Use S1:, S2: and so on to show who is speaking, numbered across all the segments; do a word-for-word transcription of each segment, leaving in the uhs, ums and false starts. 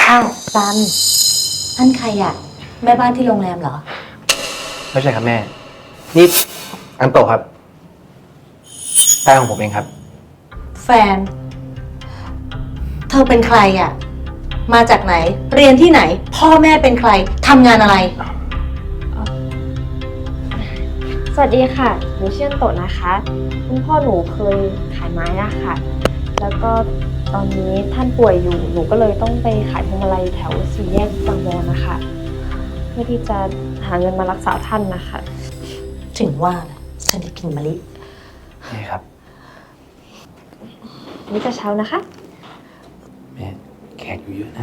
S1: อ้าวซันนั่นใครอะแม่บ้านที่โรงแรมเหรอ
S2: ไม่ใช่ครับแม่นี่อันโตครับแฟนของผมเองครับ
S1: แฟนเธอเป็นใครอะมาจากไหนเรียนที่ไหนพ่อแม่เป็นใครทำงานอะไร
S3: สวัสดีค่ะหนูชื่ออันโตะนะคะคุณพ่อหนูเคยขายไม้อะค่ะแล้วก็ตอนนี้ท่านป่วยอยู่หนูก็เลยต้องไปขายพวงมาลัยแถวสี่แยกบางบอนนะคะเพื่อที่จะหาเงินมารักษาท่านนะคะ
S1: ถึงว่าฉันได้กินมะลิ
S2: นี่ครับ
S3: นี่กระเช้านะคะ
S2: แม่แขกอยู่เยอะนะ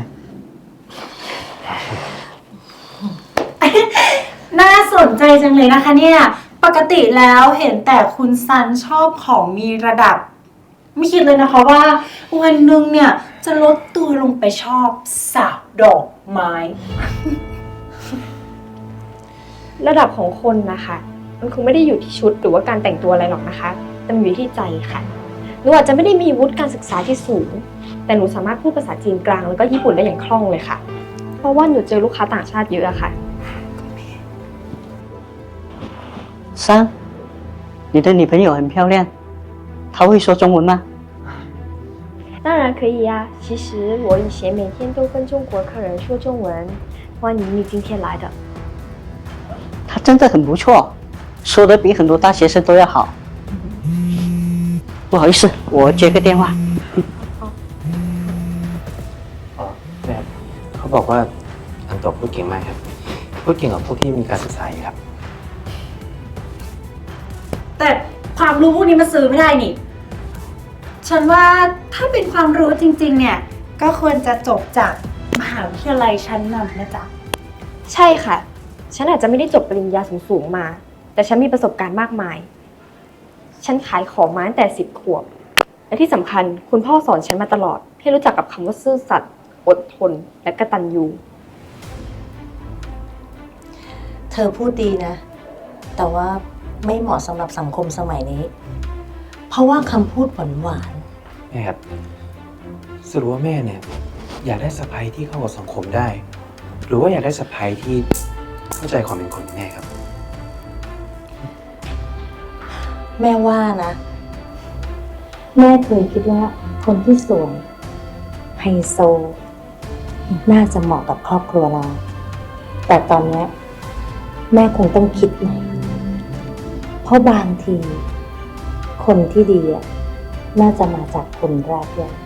S4: น่าสนใจจังเลยนะคะเนี่ยปกติแล้วเห็นแต่คุณซันชอบของมีระดับไม่คิดเลยนะคะว่าวันหนึ่งเนี่ยจะลดตัวลงไปชอบสาวดอกไม้
S3: ระดับของคนนะคะมันคงไม่ได้อยู่ที่ชุดหรือว่าการแต่งตัวอะไรหรอกนะคะแต่มันอยู่ที่ใจค่ะหนูอาจจะไม่ได้มีวุฒิการศึกษาที่สูงแต่หนูสามารถพูดภาษาจีนกลางแล้วก็ญี่ปุ่นได้อย่างคล่องเลยค่ะเพราะว่าหนูเจอลูกค้าต่างชาติเยอะอะค่ะ
S5: 三，你的女朋友很漂亮，她会说中文吗？
S3: 当然可以呀。其实我以前每天都跟中国客人说中文。欢迎你今天来的。
S5: 她真的很不错，说的比很多大学生都要好。不好意思，我接个电话。
S2: อ๋อแม่เขาบอกว่าอันโตพูดเก่งมากครับพูดเก่งกว่าพวกที่มีการศึกษาอีกครับ
S4: แต่ความรู้พวกนี้มาซื้อไม่ได้นี่ฉันว่าถ้าเป็นความรู้จริงๆเนี่ยก็ควรจะจบจากมหาวิทยาลัยชั้นนำนะจ๊ะ
S3: ใช่ค่ะฉันอาจจะไม่ได้จบปริญญาสูงๆมาแต่ฉันมีประสบการณ์มากมายฉันขายของมาตั้งแต่สิบขวบและที่สำคัญคุณพ่อสอนฉันมาตลอดให้รู้จักกับคำว่าซื่อสัตย์อดทนและกตัญญู
S1: เธอพูดดีนะแต่ว่าไม่เหมาะสำหรับสังคมสมัยนี้เพราะว่าคำพูดหวานหวาน
S2: แม่ครับสรุปว่าแม่เนี่ยอยากได้สะใภ้ที่เข้ากับสังคมได้หรือว่าอยากได้สะใภ้ที่เข้าใจความเป็นคนแม่ครับ
S1: แม่ว่านะแม่เคยคิดว่าคนที่สวยไฮโซน่าจะเหมาะกับครอบครัวเราแต่ตอนนี้แม่คงต้องคิดใหม่เพราะบางทีคนที่ดีน่าจะมาจากคนแรกด้วย